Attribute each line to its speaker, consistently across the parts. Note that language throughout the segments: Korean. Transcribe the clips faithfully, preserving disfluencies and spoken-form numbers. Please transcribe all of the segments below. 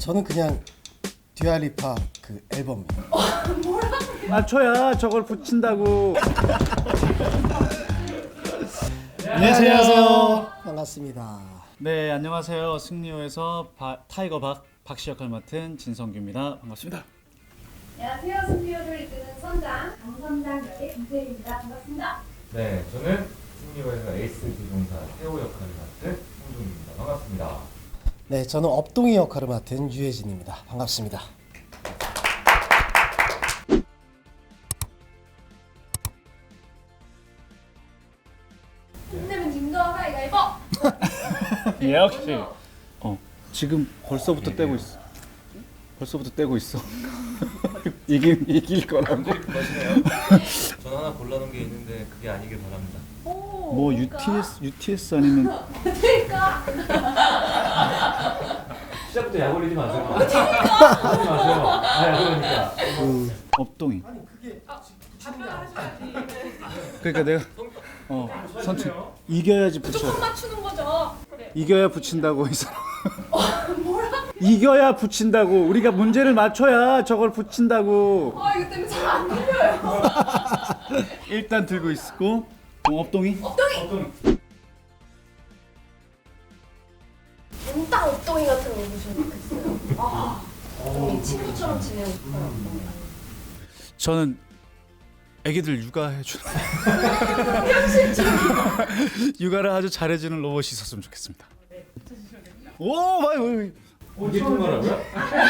Speaker 1: 저는 그냥 듀아리파 그 앨범이요.
Speaker 2: 맞춰야 저걸 붙인다고.
Speaker 1: 안녕하세요. 반갑습니다.
Speaker 2: 네, 안녕하세요. 승리호에서 바, 타이거 박 박씨 역할 맡은 진성규입니다. 반갑습니다.
Speaker 3: 안녕하세요. 승리호를 이끄는 선장 강선장 역의 김태일입니다. 반갑습니다.
Speaker 4: 네, 저는 승리호에서 에이스 기동사 태호 역할을 맡은 홍동입니다. 반갑습니다.
Speaker 1: 네, 저는 업동이 역할을 맡은 유혜진입니다. 반갑습니다.
Speaker 3: 힘내면 진거 가위가위보.
Speaker 2: 예, 역시. 어, 지금 벌써부터 떼고 있어. 벌써부터 떼고 있어. 이길 이길 거라고.
Speaker 4: 전 하나 골라놓은 게 있는데 그게 아니길 바랍니다.
Speaker 3: 오,
Speaker 2: 뭐
Speaker 3: 뭘까?
Speaker 2: 유티에스 유티에스 아니면
Speaker 3: 그러니까.
Speaker 4: 시작부터 약 올리지 마세요. 하지 마세요. 아, 약 올리니까.
Speaker 2: 업동이. 그러니까 내가 어 선출 이겨야지 붙여.
Speaker 3: 조금 맞추는 거죠. 그래.
Speaker 2: 이겨야 붙인다고 이 사람. 이겨야 붙인다고. 우리가 문제를 맞춰야 저걸 붙인다고.
Speaker 3: 아 이거 때문에 잘 안 들려요.
Speaker 2: 일단 들고 있고 어, 업동이.
Speaker 3: 업동이. 딱 업동이 같은 거 보시면 좋겠어요. 아, 업동이 친구처럼 지내고 싶어요. 업동이.
Speaker 2: 저는 애기들 육아해 주는 육아를 아주 잘해주는 로봇이 있었으면 좋겠습니다. 오, 많이 많이.
Speaker 4: 이게 통과라고요?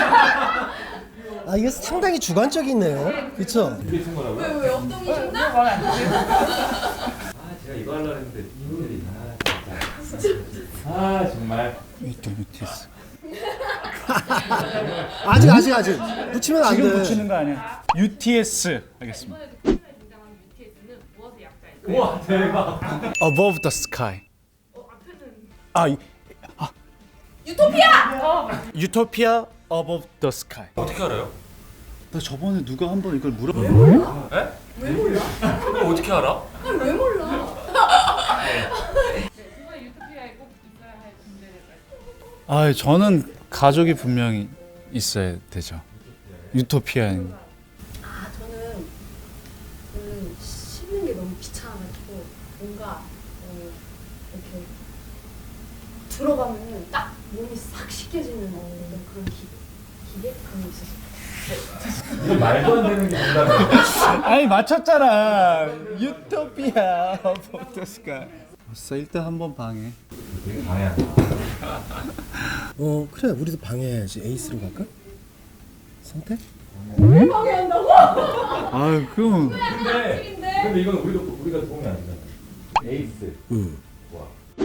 Speaker 1: 아, 이게 상당히 주관적이네요. 그렇죠?
Speaker 4: 이게 통과라고요?
Speaker 3: 왜, 왜 업동이 좋나?
Speaker 4: 아, 제가 이거 하려고 했는데 이분들이 아, 진짜. 아, 정말.
Speaker 2: 유티 유티에스.
Speaker 1: 아직 아직 아직 붙이면 안
Speaker 2: 지금
Speaker 1: 돼.
Speaker 2: 붙이는 거 아니야? 유티에스 하겠습니다.
Speaker 4: 우와, 대박.
Speaker 2: Above the sky. 아, 이-
Speaker 3: 유토피아.
Speaker 2: 유토피아 above the sky.
Speaker 4: 어떻게 알아요?
Speaker 2: 나 저번에 누가 한번 이걸 물어.
Speaker 4: 에?
Speaker 3: 왜 몰라?
Speaker 4: 그걸 어떻게 알아?
Speaker 3: 아니 왜 몰라?
Speaker 2: 아, 저는 가족이 분명히 있어야 되죠. 유토피아인.
Speaker 3: 아 저는 저는 씹는 게 너무 귀찮아가지고 뭔가 어, 이렇게 들어가면은 딱 몸이 싹 씻겨지는 어떤 그런 기, 기계 그런 게 있었어요.
Speaker 4: 이게 말도 안 되는 게 뭔가.
Speaker 2: 아니 맞췄잖아. 유토피아 above the sky. 벌써 일단 한번 방해.
Speaker 4: 되게 방해한다.
Speaker 1: 어, 그래. 우리도 방해해야지. 에이스로 갈까? 선택?
Speaker 3: 왜 방해한다고?
Speaker 2: 아, 그럼
Speaker 4: 근데, 근데 이건 우리도 우리가 도움이 안 되잖아. 에이스.
Speaker 1: 응.
Speaker 4: 와.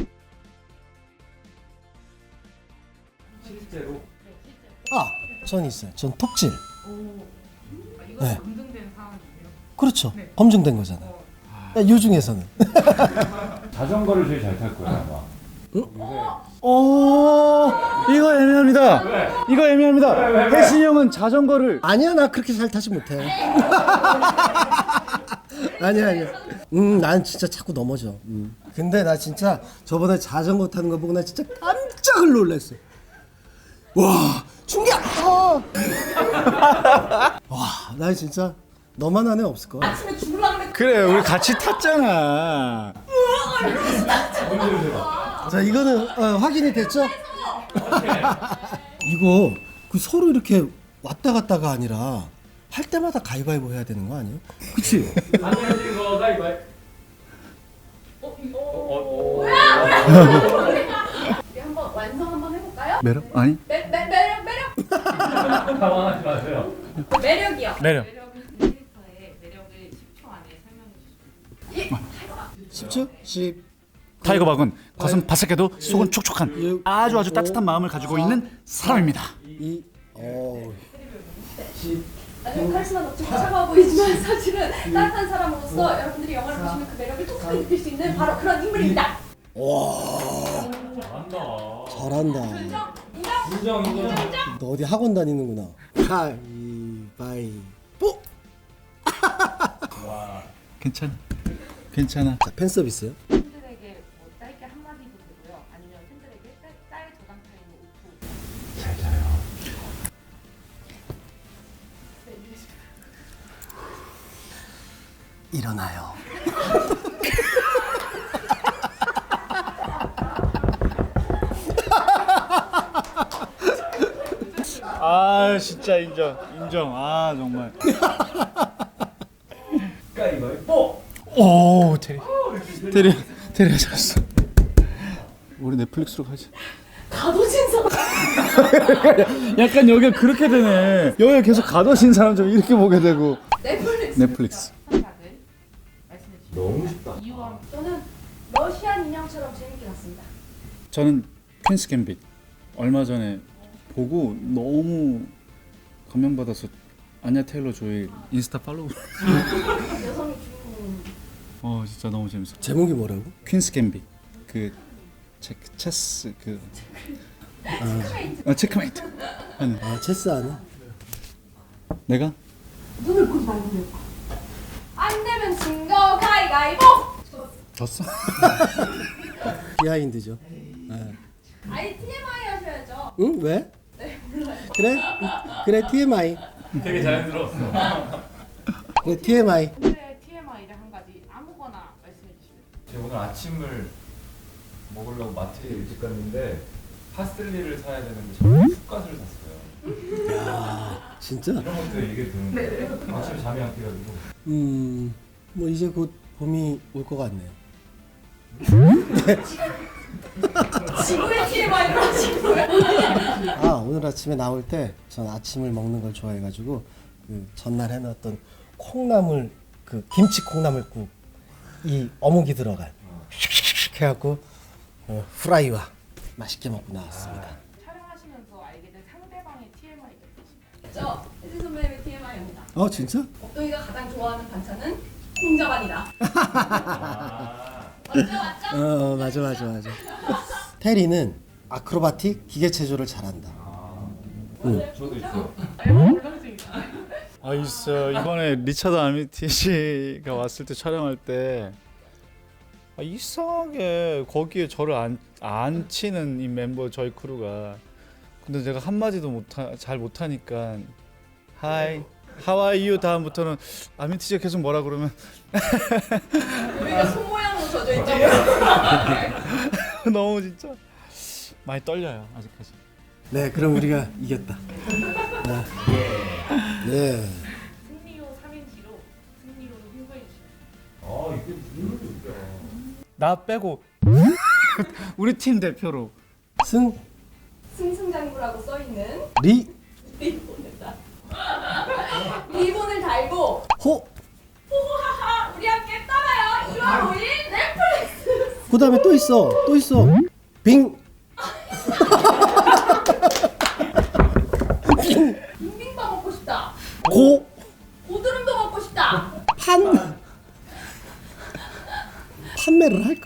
Speaker 4: 실제로.
Speaker 1: 아, 전 있어요. 전 톱질. 네. 그렇죠. 검증된 거잖아요. 요 중에서는.
Speaker 4: 자전거를 제일 잘 탈 거야 아마.
Speaker 2: 오, 이거 애매합니다. 이거 애매합니다. 혜신이 형은 자전거를
Speaker 1: 아니야, 나 그렇게 잘 타지 못해. 아니야, 아니야. 음, 난 진짜 자꾸 넘어져. 음. 근데 나 진짜 저번에 자전거 타는 거 보고 나 진짜 깜짝 놀랐어. 와, 충격! 어. 와, 나 진짜 너만 한 애 없을 거야.
Speaker 3: 아침에 죽으려고 그랬
Speaker 2: 그래, 우리 같이 탔잖아.
Speaker 1: 자, 이거는 어, 확인이 됐죠? 이거 그 서로 이렇게 왔다 갔다가 아니라 할 때마다 가위바위보 해야 되는 거 아니에요? 그치?
Speaker 4: 아니 아니 이거 가위바위.
Speaker 3: 어, 이거.
Speaker 4: 어, 어.
Speaker 3: 우리 한번 완성 한번 해볼까요?
Speaker 2: 매력? 아니?
Speaker 3: 매, 매, 매력 매력
Speaker 4: 당황하지 마세요.
Speaker 3: 매력이요.
Speaker 2: 매력.
Speaker 5: 캐릭터의 매력을 십 초 안에 설명해 주시면
Speaker 1: 십 초? 십.
Speaker 2: 타이거 박은 겉은 바삭해도 속은 촉촉한
Speaker 1: 육,
Speaker 2: 아주 아주 따뜻한 마음을 가지고 있는 사람입니다.
Speaker 1: 이. 어.
Speaker 3: 아주 카리스마 넘치고 차가워 보이지만 사실은 따뜻한 사람으로서 여러분들이 영화를 보시면 그 매력을 톡톡히 느낄 수 있는 바로 그런 인물입니다.
Speaker 1: 와.
Speaker 4: 잘한다.
Speaker 1: 잘한다.
Speaker 3: 인정?
Speaker 4: 인정 인정.
Speaker 1: 너 어디 학원 다니는구나. 가위바위보.
Speaker 4: 와.
Speaker 2: 괜찮아. 괜찮아.
Speaker 1: 자, 팬 서비스요.
Speaker 5: 팬들에게 뭐 짧게 한마디도 되고요. 아니면 팬들에게 짤, 짤 저장 타임을 오 초.
Speaker 4: 잘 자요.
Speaker 1: 일어나요.
Speaker 2: 아 진짜 인정 인정. 아 정말.
Speaker 4: 가위바위보.
Speaker 2: 오 테리 테리 테리가 잘했어. 우리 넷플릭스로 가자.
Speaker 3: 가도진 사람.
Speaker 2: 약간 여기가 그렇게 되네. 여기 계속 가둬진 사람 좀 이렇게 보게 되고.
Speaker 3: 넷플릭스.
Speaker 2: 넷플릭스.
Speaker 5: 상사들 말씀해 주시죠.
Speaker 4: 너무 쉽다.
Speaker 5: 이유와
Speaker 3: 저는 러시안 인형처럼 재밌게 봤습니다.
Speaker 2: 저는 퀸스 갬빗 얼마 전에 보고 너무 감명받아서 아냐 테일러 조이 인스타 팔로우.
Speaker 3: 여성의 주인공.
Speaker 2: 어 진짜 너무 재밌어.
Speaker 1: 제목이 뭐라고?
Speaker 2: 퀸스 갬빗 그 체, 체스 그
Speaker 3: 체크메이트.
Speaker 2: 아, 체크메이트 하는.
Speaker 1: 아 체스 하는?
Speaker 2: 내가
Speaker 3: 눈을 보지 말고. 안 되면 진거 가위가위보.
Speaker 2: 졌어?
Speaker 1: 비하인드죠. 네.
Speaker 3: 아니 티엠아이 하셔야죠.
Speaker 1: 응? 왜?
Speaker 3: 네 몰라요.
Speaker 1: 그래? 그래 티엠아이.
Speaker 4: 되게 자연스러웠어.
Speaker 1: 그래 티엠아이.
Speaker 5: 오늘의 티엠아이를 한 가지 아무거나 말씀해 주시면
Speaker 4: 제가 오늘 아침을 먹으려고 마트에 일찍 갔는데 파슬리를 사야 되는데 저는 쑥갓을 샀어요.
Speaker 1: 야 진짜?
Speaker 4: 이런 것도 얘기 듣는데 아침에 잠이 안 깨가지고.
Speaker 1: 음, 뭐 이제 곧 봄이 올 것 같네요.
Speaker 3: 지구의 티엠아이를 하신 거예요?
Speaker 1: 아 오늘 아침에 나올 때 전 아침을 먹는 걸 좋아해가지고 그 전날 해놨던 콩나물 그 김치 콩나물국 이 어묵이 들어간 슉슉슉 해갖고 어, 프라이와 맛있게 먹고 나왔습니다.
Speaker 5: 촬영하시면서 알게 된 상대방의 티엠아이가 있으신가요?
Speaker 3: 저 혜진 선배님의 티엠아이입니다.
Speaker 1: 어 진짜?
Speaker 3: 옥동이가 가장 좋아하는 반찬은 콩자반이다.
Speaker 4: 아.
Speaker 3: 맞죠 맞죠?
Speaker 1: 어 맞아 맞아 맞아. 테리는 아크로바틱 기계체조를 잘한다.
Speaker 4: 저도 있어요.
Speaker 5: 앨범 울렁증이다.
Speaker 2: 아 있어. 이번에 리차드 아미티시가 왔을 때 촬영할 때 아, 이상하게 거기에 저를 안, 안 치는 이 멤버 저희 크루가. 근데 제가 한 마디도 못하, 잘 못하니까 하이 하와이유 다음부터는 아미티시가 계속 뭐라 그러면
Speaker 3: 우리가 손 모양으로 젖어 있다고요.
Speaker 2: 너무 진짜 많이 떨려요 아직까지.
Speaker 1: 네 그럼 우리가 이겼다. 네. 네.
Speaker 5: 승리호 삼행시로 승리호를 홍보해 주시면
Speaker 4: 아 이게 무슨 소리야?
Speaker 2: 나 빼고 우리 팀 대표로
Speaker 1: 승,
Speaker 3: 승승장구라고 써 있는
Speaker 1: 리,
Speaker 3: 리본을 다 리본을 달고
Speaker 1: 호.
Speaker 3: 호호하하 우리 함께 떠나요. 이월 오일 넷플릭스.
Speaker 1: 그 다음에 또 있어. 또 있어. 빙.
Speaker 3: 빙빙밥 먹고 싶다.
Speaker 1: 고.
Speaker 3: 고드름도 먹고 싶다.
Speaker 1: 판. 판매를 할까?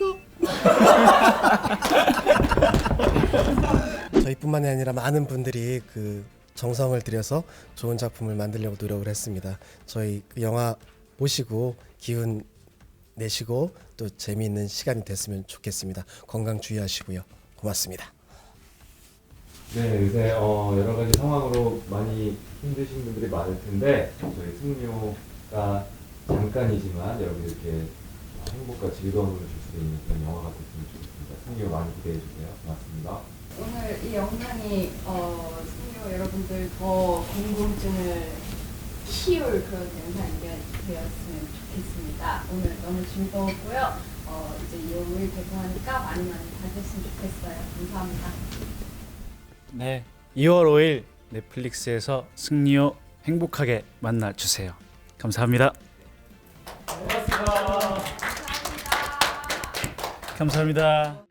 Speaker 1: 저희뿐만이 아니라 많은 분들이 그 정성을 들여서 좋은 작품을 만들려고 노력을 했습니다. 저희 그 영화 보시고 기운 내시고 또 재미있는 시간이 됐으면 좋겠습니다. 건강 주의하시고요. 고맙습니다.
Speaker 4: 네, 요새 어, 여러 가지 상황으로 많이 힘드신 분들이 많을 텐데 저희 승리호가 잠깐이지만 여러분들께 행복과 즐거움을 줄 수 있는 그런 영화가 됐으면 좋겠습니다. 승리호 많이 기대해 주세요. 고맙습니다.
Speaker 3: 오늘 이 영상이 어, 승리호 여러분들 더 궁금증을 키울 그런 영상이 되었으면 좋겠습니다. 오늘 너무 즐거웠고요. 어, 이제 이월 오일 개봉하니까 많이 많이 봐주셨으면 좋겠어요. 감사합니다.
Speaker 2: 네, 이월 오일 넷플릭스에서 승리호 행복하게 만나 주세요. 감사합니다.
Speaker 4: 고맙습니다.
Speaker 2: 감사합니다.